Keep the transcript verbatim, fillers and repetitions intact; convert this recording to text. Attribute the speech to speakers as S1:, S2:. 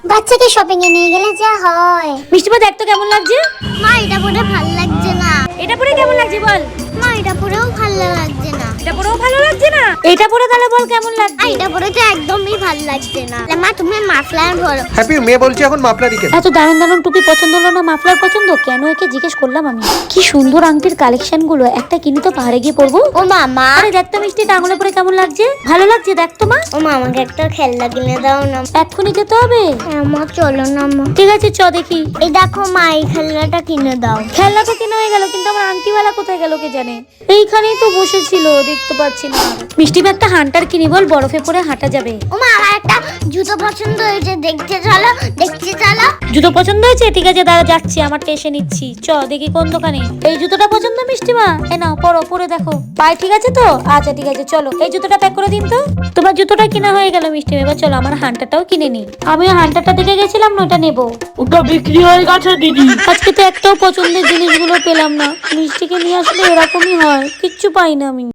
S1: বাচ্চাকে শপিং এ নিয়ে গেলে যা হয়।
S2: মিষ্টিমা দেখ তো কেমন লাগছে।
S1: মা এটা পরে ভালো লাগছে না।
S2: এটা পরে কেমন লাগছে বল।
S1: মা এটা পরেও ভালো লাগছে না।
S2: এটা পরেও ভালো লাগছে না। এটা পরে তাহলে বল কেমন লাগছে।
S1: আর এটা পরে তো একদমই ভালো লাগছে না। মা তুমি মাফলার পরো।
S3: হ্যাপি মেয়ে বলছে এখন মাফলারই কেন।
S2: এত দারুণ দারুণ টুপি পছন্দ হলো না, মাফলার পছন্দ কেন একে জিজ্ঞেস করলাম আমি। কি সুন্দর আংটির কালেকশন গুলো, একটা কিনে তো পাহাড়ে গিয়ে পরবো।
S1: ও মামা,
S2: আরে দেখ তো মিষ্টিটা আঙুলে পরে কেমন লাগছে। ভালো লাগছে দেখ তো মা।
S1: ও মা আমাকে একটা খেলনা কিনে দাও না।
S2: এক্ষুনি যেতে হবে।
S1: হ্যাঁ মা চলো না মা।
S2: ঠিক আছে চ দেখি।
S1: এই দেখো মা এই খেলনাটা কিনে দাও।
S2: খেলনা তো কিনে হয়ে গেল, কিন্তু আমার আংটিওয়ালা কোথায় গেল কে জানে। এইখানেই তো বসেছিল, দেখতে পাচ্ছি না। মিষ্টি একটা হান্টার কিনি বল, বরফে পরে হাঁটা যাবে।
S1: ও মা আমার একটা জুতো পছন্দ হয়েছে, দেখতে চলো দেখতে চলো।
S2: জুতো পছন্দ হয়েছে, ঠিক আছে দাঁড়া যাচ্ছি, আমার টেসে নিচ্ছি। চ দেখি কোন দোকানে। এই জুতোটা পছন্দ মিষ্টিমা, এ নাও পরো, পরে দেখো পায়ে ঠিক আছে তো। আচ্ছা ঠিক আছে চলো, এই জুতোটা প্যাক করে দিন তো। তোমার জুতোটা কিনা হয়ে গেল মিষ্টিমা, এবার চলো আমার হান্টারটাও কিনে নি। আমি হান্টারটা দেখে গেছিলাম না, ওটা নেবো।
S4: ওটা বিক্রি হয়ে গেছে দিদি।
S2: আজকে তো একটাও পছন্দের জিনিসগুলো পেলাম না। মিষ্টিকে নিয়ে আসলে এরকমই হয়, কিচ্ছু পাই না আমি।